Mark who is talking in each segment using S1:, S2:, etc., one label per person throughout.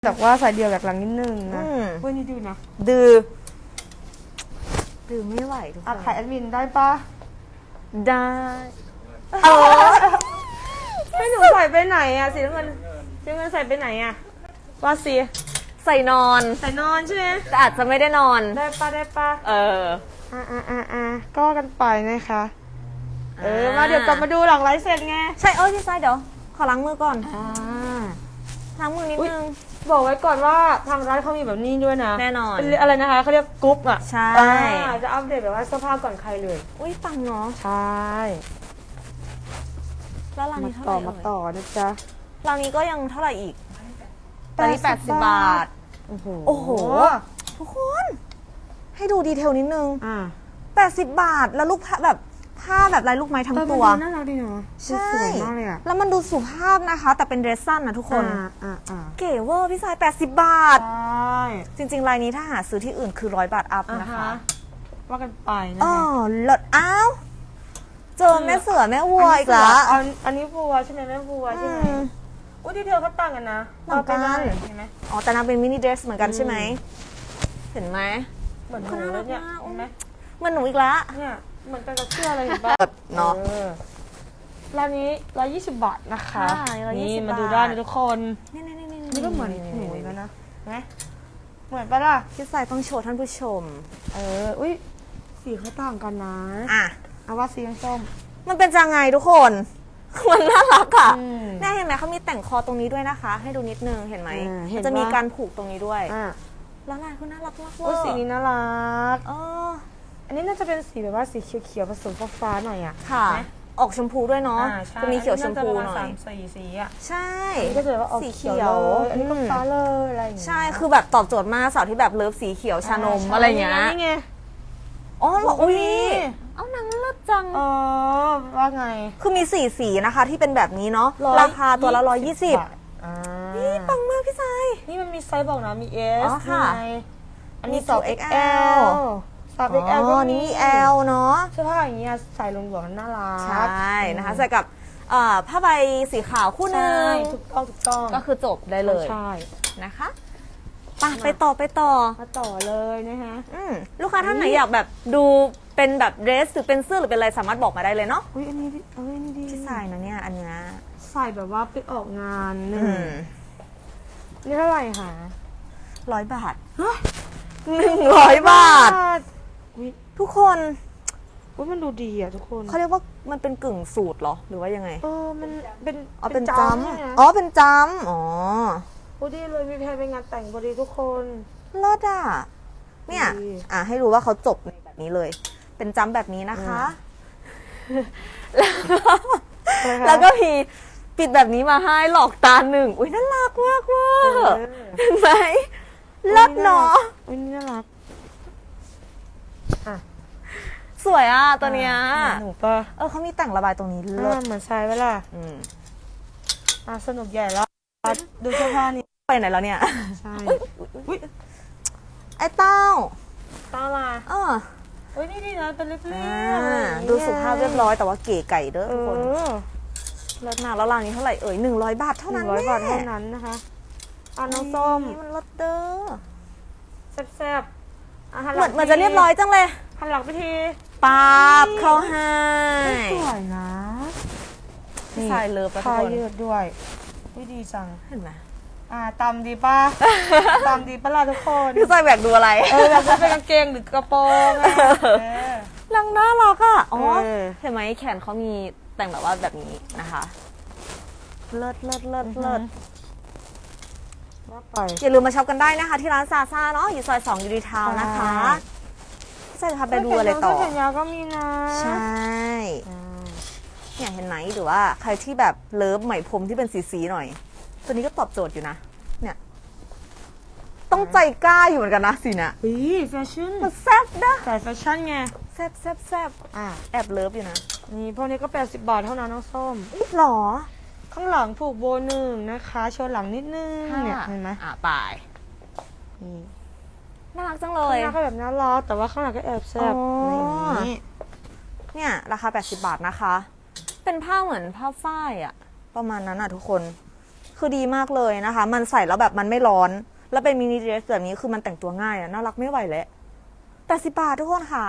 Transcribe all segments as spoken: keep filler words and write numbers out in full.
S1: แต่ว่าสายเดียวแบบหลังนิดนึงนะเว้ยนี่ดื้อนะ
S2: ดื้อดื้อไม่ไหวทุกคน
S1: ขายแอดมินได้ปะ
S2: ได้
S1: เออให้หนูใส่ไปไหนอะสีน้ำเงินสีน้ำเงินใส่ไปไหนอะว่าสี
S2: ใส่นอน
S1: ใส่นอนใช่ไหม
S2: แต่อาจจะไม่ได้นอน
S1: ได้ปะได้ปะ
S2: เออ
S1: อ่าอ่าอ่าอ่าก็กันไปนะคะเออมาเดี๋ยวกลับมาดูหลังไลฟ์เสร็จไง
S2: ใช่เออพี่ไซเดี๋ยวขอล้างมือก่อนอ่าล้างมือนิดนึง
S1: บอกไว้ก่อนว่าทางร้านเขามีแบบนี้ด้วยนะ
S2: แน่นอน
S1: อะไรนะคะเขาเรียกกรุ๊ปอ่ะ
S2: ใช่
S1: จะอัปเดตแบบว่าเสื้อผ้าก่อนใครเลย
S2: อุ้ยปังเนาะ
S1: ใช่
S2: แล้วร้านนี้เท่าไหร่
S1: มาต่อนะจ๊ะ
S2: ร้านนี้ก็ยังเท่าไหร่อีกร้านนี้แปดสิบบาทโอ้โหโอ้โหทุกคนให้ดูดีเทลนิดนึง
S1: อ่า
S2: แปดสิบบาทแล้วลูกแบบผ้าแบบลายลูกไม้ทั้งตัว
S1: น่ารักดีเนาะ
S2: ใช่
S1: สวยมากเลยอะ
S2: แล้วมันดูสุภาพนะคะแต่เป็นเดรสสั้นนะทุกคนเก๋เวอร์พี่สายแปดสิบบาท
S1: ใช่
S2: จริงๆลายนี้ถ้าหาซื้อที่อื่นคือร้อยบาทอัพนะคะ
S1: ว่ากันไปนะ
S2: อ๋อเลิศอ้าวเจอแม่เสือแม่วัวอีกแล้ว
S1: อันนี้วัวใช่ไหมแม่วัวใช่ไหมอุ้ยดีเทลเขาต่างกันนะ
S2: ต่างกัน
S1: เห็นไหม
S2: อ๋อแต่นางเป็นมินิเดรสเหมือนกันใช่ไหมเห็นไหม
S1: เหมือนหนูเลยเนี่ยเห็นไหม
S2: เหมือนหนูอีกแล้ว
S1: เนี่ยเหมือนกันกับเสื้ออะไรเห็นป่ะ
S2: เนาะ
S1: ร้านนี้ร้อยยี่สิบบาทนะคะนี่มาดูได้นะทุกคน
S2: นี่นี่นี่
S1: นี่ก็เหมือนหนูอีกแล้วนะไหมเหมือนปะล่ะ
S2: พี่สายต้องโชว์ท่านผู้ชม
S1: เอออุ้ยสีเขาต่างกันนะ
S2: อ่ะ
S1: เอาว่าสีส้ม
S2: มันเป็นจังไงทุกคนมันน่ารักอ่ะแน่เห็นไหมเขามีแต่งคอตรงนี้ด้วยนะคะให้ดูนิดนึงเห็นไหมมันจะมีการผูกตรงนี้ด้วยแล้วลายเขาน่ารักมากเลย
S1: สีนี้น่ารัก
S2: อ๋อ
S1: อันนี้น่าจะเป็นสีแบบว่าสีเขียวๆผสมฟ้าๆหน่อยอ่ะ
S2: ค่ะออกชมพูด้วยเนาะจะมีเขียวชมพูหน่อย
S1: สีสีอ่ะ
S2: ใช่
S1: ก็จะว่าออกสีเขียวอันนี้ก็ฟ้าเลยอะไรอย่างเงี้ย
S2: ใช่คือแบบตอบโจทย์มากสาวที่แบบเลิฟสีเขียวชานมอะไรเงี้ย
S1: นี่ไง
S2: อ๋อเหรออุ้ยเอาหนังเลิศจัง
S1: อ๋อว่าไง
S2: คือมีสี่สีนะคะที่เป็นแบบนี้เนาะราคาตัวละร้อยยี่สิบนี่ปังมากพี่ชาย
S1: นี่มันมีไซส์บอกนะมี S
S2: ค่ะ
S1: อันนี้สอง เอ็กซ์ แอลสาม เอ็กซ์ แอล
S2: ก็นี่ L เนาะ
S1: เสื้อผ้าอย่างเงี้ยใส่ลงหัวน่ารัก
S2: ใช่นะคะใส่กับผ้าใบสีขาวคู่นึง
S1: ถูกต้องถูกต้อง
S2: ก็คือจบได้เลย
S1: ใช่
S2: นะคะไปไปต่อไปต่อ
S1: มาต่อเลยนะคะ
S2: ลูกค้าท่านไหนอยากแบบดูเป็นแบบเดรสหรือเป็นเสื้อหรือเป็นอะไรสามารถบอกมาได้เลยเนาะ
S1: อุ้ยอันนี้เอ้ยนี่ดี
S2: ที่ใส่นะเนี่ยอันนี้
S1: ใส่แบบว่าไปออกงานหนึ่งนี่เท่าไหร่คะ
S2: ร้อยบาทหนึ่งร้อยบาททุกคน
S1: ว่ามันดูดีอ่ะทุกคน
S2: เขาเรียกว่ามันเป็นกึ่งสูตรเหรอหรือว่ายังไง
S1: เออมันเป็น
S2: อ๋อเป็นจำอ๋อเป็นจำอ๋อ
S1: พอดีเลยมีแพนไปงานแต่งพอดีทุกคน
S2: เลิศอ่ะเนี่ยอ่ะให้รู้ว่าเขาจบในแบบนี้เลยเป็นจำแบบนี้นะคะแล้วก็มีปิดแบบนี้มาให้หลอกตาหนึ่งอุ้ยน่ารักมากเวอร์เห็นไหมเลิศเนาะ
S1: อุ้ยน่ารักอ่ะ
S2: สวยอ่ะตัวเนี้ย
S1: หนูปะ
S2: เออเขามีแต่งระบายตรงนี้เลิศ
S1: เหมือนใช่ไหมล่ะอืมอ่ะสนุกใหญ่แล้วดูเสื้อผ้านี้
S2: ไปไหนแล้วเนี่ย
S1: ใช่
S2: อุ้ยไอ้เต้า
S1: เต้ามา
S2: เออ
S1: อุ้ยนี่ดีนะเป็นเรียบ
S2: ๆดูสุภาพเรียบร้อยแต่ว่าเก๋ไก่เด้อทุกคนเลิศมากแล้วร้านนี้เท่าไหร่เอ่ยหนึ่งร้อยบาทเท่านั้น
S1: ร้อยบาทเท่านั้นนะคะอ่ะน้องส้ม
S2: มันเลิศเด้อ
S1: แซ่บ
S2: ๆเหมือนเหมือนจะเรียบร้อยจังเลย
S1: หันหลังไปที
S2: ปั๊บเข้าให้
S1: สวยนะ
S2: ใส่เลิฟ
S1: ผ้ายืดด้วยวิดีจัง
S2: เห็นไหม
S1: อ่าตำดีป่ะตำดีป่ะล่ะทุกคน
S2: พี่ใส่แบกดูอะไร
S1: เออแบบจะเป็นกางเกงหรือกระโปรง
S2: นางน่ารักอ่ะอ๋อเห็นไหมแขนเขามีแต่งแบบว่าแบบนี้นะคะเลิศเลิศเลิศเลิศอย่าลืมมาช็อปกันได้นะคะที่ร้านซาซ่าเนาะอยู่ซอยสองยูดีทาวน์นะคะใช่ค่ะไปดูอะไรต่อ
S1: แขนยาวก็มีนะ
S2: ใช่เนี่ยเห็นไหมหรือว่าใครที่แบบเลิฟไหมพรมที่เป็นสีๆหน่อยตัวนี้ก็ตอบโจทย์อยู่นะเนี่ยต้องใจกล้าอยู่เหมือนกันนะสีเนี่ย
S1: อุ้ยแฟชั่น
S2: มันแซ่บนะ
S1: ใส่แฟชั่นไง
S2: แซ่บแซ่บแซ่บอ่ะแอบเลิฟอยู่นะ
S1: นี่พวกนี้ก็แปดสิบบาทเท่านั้นน้องส้ม
S2: อีกหรอ
S1: ข้างหลังผูกโบหนึ่งนะคะโชว์หลังนิดนึงเนี่ยเห็นไหม
S2: อ่ะปลายน่ารักจังเลย
S1: ข้างหน้าก็แบบน่ารักแต่ว่าข้างหลังก็แอบแซ่บนี่
S2: เนี่ยราคาแปดสิบบาทนะคะเป็นผ้าเหมือนผ้าฝ้ายอะประมาณนั้นอะทุกคนคือดีมากเลยนะคะ มันใส่แล้วแบบมันไม่ร้อน แล้วเป็นมินิเดรสแบบนี้คือมันแต่งตัวง่ายอะน่ารักไม่ไหวแล้วแปดสิบบาททุกคนค่ะ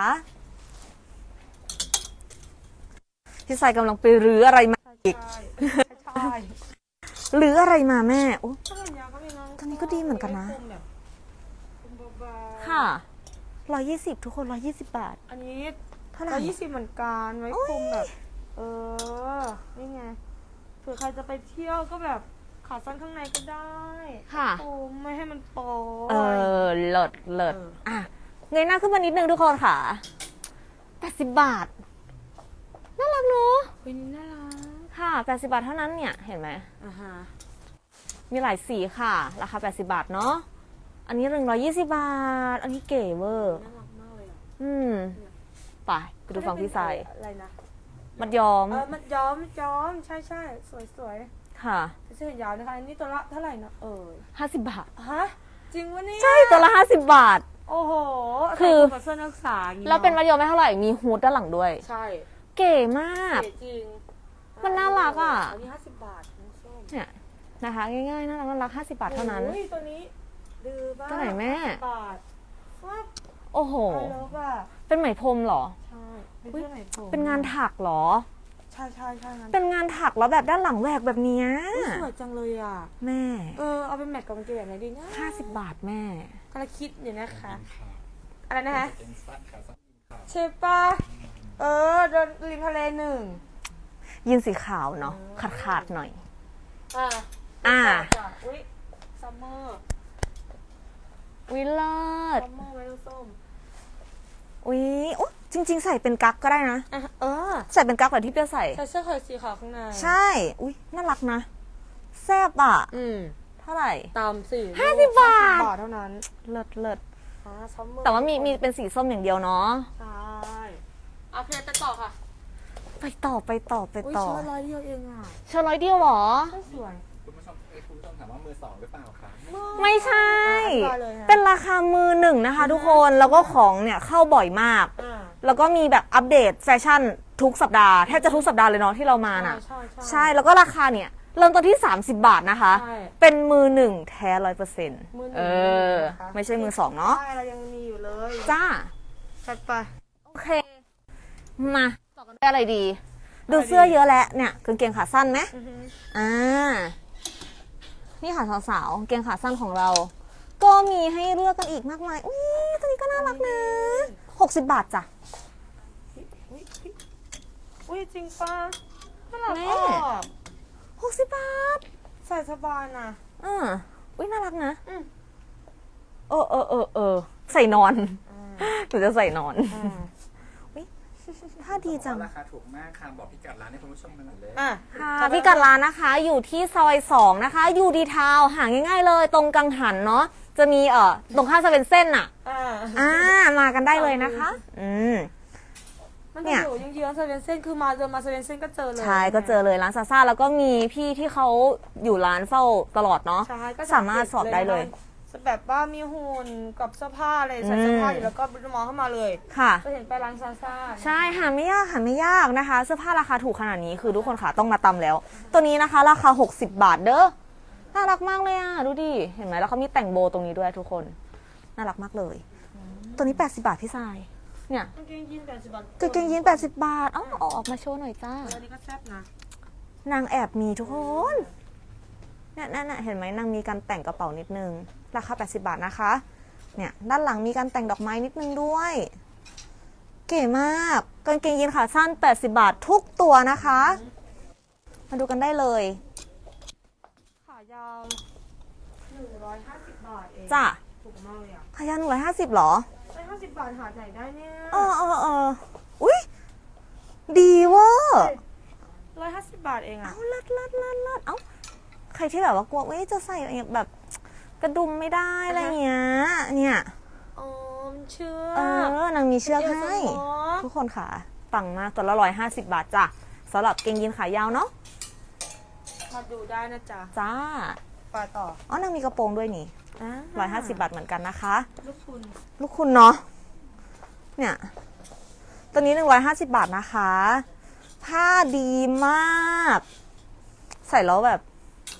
S2: พี่สายกำลังไปรื้ออะไรมาอีก
S1: ใช่ใช่
S2: รื้ออะไรมาแม่โอ้
S1: ใช่ยาก็มีน้อง
S2: ตัวนี้ก็ดีเหมือนกันนะ
S1: คมแบบคมเบาๆ
S2: ค่ะร้อยยี่สิบทุกคนร้อยยี่สิบบาท
S1: อันนี้
S2: เท่าไหร่
S1: ร้อยยี่สิบเหมือนกันไว้คุมแบบ เออ นี่ไง เผื่อใครจะไปเที่ยวก็แบบขาสั้นข้างในก็ได้
S2: ค่ะ
S1: โอ้ไม่ให้มันโป๊
S2: เออเลิศเลิศ
S1: เออ
S2: อ่ะเงยหน้าขึ้นมานิดนึงทุกคนค่ะแปดสิบบาท น่ารักเนอะ
S1: เฮ้ยนี่น่ารัก
S2: ค่ะแปดสิบบาทเท่านั้นเนี่ย เห็นไหม
S1: อ่าฮะ
S2: มีหลายสีค่ะ ราคาแปดสิบบาทเนาะ อันนี้หนึ่งร้อยยี่สิบบาท อันนี้เก๋เวอร์
S1: น่ารักมากเลยอ่ะ
S2: อืม ไปไปดูฝั่งพี่สาย
S1: อะไรนะ
S2: มัดย้อม
S1: เออมันย้อมย้อมใช่ใช่สวยสวย
S2: ค่ะ
S1: เสื้อยาวนะคะอันนี้ตัวละเท่าไหร่นะเออ
S2: ห้าสิบบาท
S1: ฮะจริงวะเนี่ย
S2: ใช่ ตัวละห้าสิบบาท
S1: โอ้โห
S2: คือ
S1: ใส่กับเสื้อนักศึกษาอย่างงี้
S2: แล้วเป็นมัดย้อมไม่เท่าไหร่ มีฮูดด้านหลังด้วย
S1: ใช่
S2: เก๋มาก
S1: เก๋จริง
S2: มันน่ารักอะ
S1: อันนี้ห้าสิบบาทน้องส้ม
S2: เนี่ยนะคะ ง่ายๆน่ารักน่ารักห้าสิบบาทเท่านั้น
S1: โอ้ยตัวนี้ดื้อบ้า
S2: ตัวไหนแม่
S1: บาทว้า
S2: โอ้โห
S1: ไอเลิฟอ่ะ
S2: เป็นไหมพรมเหรอ
S1: ใช่เป็นเสื้อไหนผม
S2: เป็นงานถักเหรอ
S1: ใช่ใช่ใช่งาน
S2: เป็นงานถักแล้วแบบด้านหลังแหวกแบบเนี้ย
S1: อุ๊ยสวยจังเลยอ่ะ
S2: แม่
S1: เออเอาเป็นแมทกับกางเกงแบบไหนดีนะ
S2: ห้าสิบบาทแม่
S1: กำลังคิดอยู่นะคะ อะไรนะคะ
S3: เกงสั้นขาสั้นขา
S1: ใช่ปะเออเดินริมทะเลหนึ่ง
S2: ยีนสีขาวเนาะขาดขาดๆหน่อย
S1: อ่า
S2: อ่า
S1: จ้ะอุ้ยซัมเมอร์
S2: วิเลิศ
S1: ซัมเมอร์ไว้ลูกส้ม
S2: อุ้ยโอ้จริง ๆ ใส่เป็นกั๊กก็ได้นะ
S1: อ่ะเออ
S2: ใส่เป็นกั๊กแบบที่เปียใส่
S1: ใส่เสื้อคอยสีขาวข้างใน
S2: ใช่ อุ้ยน่ารักนะ แซ่บอ่ะ
S1: อืม
S2: เท่าไหร่
S1: ตามสี่
S2: ห้าสิบบาท
S1: บาทเท่านั้น
S2: เลิศเลิศ
S1: อ่าซัมเมอร์
S2: แต่ว่ามีมีเป็นสีส้มอย่างเดียวเนาะ
S1: ใช่โอเคไปต่อค่ะ
S2: ไปต่อไปต่อไป
S1: อุ้ย
S2: ต่อ
S1: เชิ้ตร้อยเดียวเองอ่ะ
S2: เชิญร้อยเดียวเหรอ
S1: ก็สวย
S3: คุณผู้ชมเอ้ยคุณผู้ชมถามว่ามือสองหรือเปล่าคะ
S2: ไม่ใช่
S1: อ่ะเลยฮะ
S2: เป็นราคามือหนึ่งนะคะทุกคน แล้วก็ของเนี่ยเข้าบ่อยมาก
S1: อ่า
S2: แล้วก็มีแบบอัปเดตแฟชั่นทุกสัปดาห์ แทบจะทุกสัปดาห์เลยเนาะที่เรามาน่ะ
S1: ใช่ใช่
S2: ใช่ แล้วก็ราคาเนี่ยเริ่มต้นที่ สามสิบบาทนะคะ
S1: ใช่
S2: เป็นมือหนึ่งแท้ร้อยเปอร์เซ็นต์
S1: มือหนึ่ง
S2: เออ
S1: นะคะ
S2: ไม่ใช่มือสองเนาะ
S1: ใช่เรายังมีอยู่เลย
S2: จ้า
S1: จัดไป
S2: โอเค มาต่อกันด้วยอะไรดี ดูเสื้อเยอะแล้วเนี่ยกางเกงขาสั้นไหม
S1: อือฮึ
S2: อ่า นี่ค่ะสาวๆกางเกงขาสั้นของเรา ก็มีให้เลือกกันอีกมากมาย อุ้ยตัวนี้ก็น่ารักนะหกสิบบาทจ้ะ
S1: อุ้ยอุ้ยอุ้ยจริงปะน่ารัก
S2: แม่
S1: ออก
S2: หกสิบบาท
S1: ใส่สบายนะ
S2: อ่าอุ้ยน่ารักนะ
S1: อืม
S2: เออเออเออเออใส่นอน
S1: อ่า
S2: หนูจะใส่นอน
S1: อ่า
S2: ถ้าดีจัง
S3: ราคาถูกมากค่ะบอกพิกัดร้านให้คุณผู้ชมกันหน่อยเลย
S1: อ่ะ
S2: ค่ะพี่กัดร้านนะคะ อยู่ที่ซอยสองนะคะยูดีทาวหาง่ายๆเลย ตรงกังหันเนาะจะมีเอ่อตรงข้ามเซเว่นเส้นอ่ะ
S1: อ่า
S2: อ่ามากันได้เลยนะคะ อืม
S1: มัน
S2: เนี่
S1: จะ
S2: ย
S1: อยู่ยังเยื้องๆเซเว่นเส้นคือมาเดินมาเซเว่นเส้นก็เจอเลย
S2: ใช่ก็เจอเลยร้านซาซ่าแล้วก็มีพี่ที่เขาอยู่ร้านเฝ้าตลอดเนาะ
S1: ใช่ก็
S2: สามารถสอบได้เลย
S1: แบบว่ามีหุ่นกับเสื้อผ้าอะไรใส่เสื้อผ้าอยู่แล้วก็มองเข้ามาเลย
S2: ค่ะ
S1: จะเห็นไปร้านซาซ่า
S2: ใช่หาไม่ยากหาไม่ยากนะคะ เสื้อผ้าราคาถูกขนาดนี้คือทุกคนค่ะต้องมาตำแล้ว ตัวนี้นะคะ ราคาหกสิบบาทเด้อน่ารักมากเลยอ่ะดูดิเห็นไหมแล้วเขามีแต่งโบตรงนี้ด้วยทุกคนน่ารักมากเลย ตัวนี้แปดสิบบาทพี่ทรายเนี่ย
S1: กางเกงยีนแปดสิบบาท
S2: กางเกงยีนแปดสิบบาทเอ้าเอาออกมาโชว์หน่อยจ้า
S1: อันนี้ก็แซ่บนะ
S2: นางแอบมีทุกคนเนี่ยนั่นน่ะเห็นไหมนางมีการแต่งกระเป๋านิดนึงราคาแปดสิบบาทนะคะเนี่ยด้านหลังมีการแต่งดอกไม้นิดนึงด้วย เก๋มากกางเกงยีนขาสั้นแปดสิบบาททุกตัวนะคะ มาดูกันได้เลย
S1: ขายาวหนึ่งร้อยห้าสิบบาทเอง
S2: จ้ะ
S1: ถูกมากเลยอ่ะ
S2: ขายาหนึ่งร้อยห้าสิบหรอ
S1: ร้อยห้าสิบบาทหาไหนได้เนี่ย
S2: เออเออเอออุ้ยดีเวอร์
S1: ร้อยห้าสิบบาทเองอ่ะ
S2: เอาเลิศเลิศเลิศเลิศเอ้าใครที่แบบว่ากลัวเอ้ยจะใส่แบบกระดุมไม่ได้อะไรเงี้ยเนี่ย
S1: อ๋อมเชื่อ
S2: เออนางมีเชือกให้
S1: เอวสมอ
S2: ทุกคนค่ะปังมากตัวละร้อยห้าสิบบาทจ้ะสำหรับเกงยีนขายาวเนาะ
S1: มาดูได้นะจ๊ะ
S2: จ้า
S1: ไปต่อ
S2: อ๋อนางมีกระโปรงด้วยนี่ร้อยห้าสิบบาทเหมือนกันนะคะ
S1: ลูกคุณ
S2: ลูกคุณเนาะเนี่ยตัวนี้หนึ่งร้อยห้าสิบบาทนะคะ ผ้าดีมาก ใส่แล้วแบบ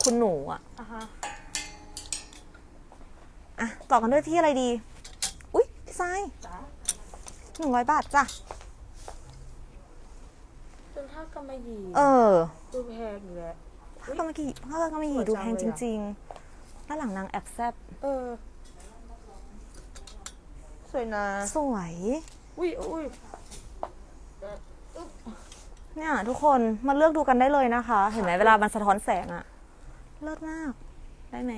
S2: คุณหนูอะ
S1: อ่ะฮะ
S2: อ่ะต่อกันด้วยที่อะไรดี อุ๊ยพี่ทราย
S1: จ้า
S2: หนึ่งร้อยบาทจ้ะ
S1: เป็นผ้ากำมะหยี่
S2: เออ
S1: ดูแพงอยู่แหละ
S2: ผ้ากำมะหยี่ผ้ากำมะหยี่
S1: สวย
S2: ดู
S1: จัง
S2: แพง
S1: เลย
S2: จ
S1: อะ
S2: ริงๆด้านหลังนางแอบแซบ
S1: เออ สวยนะ
S2: สวย
S1: อุ้ยอุ้ย
S2: เนี่ยทุกคนมาเลือกดูกันได้เลยนะคะ เห็นไหมเวลามันสะท้อนแสงอะเลิศมาก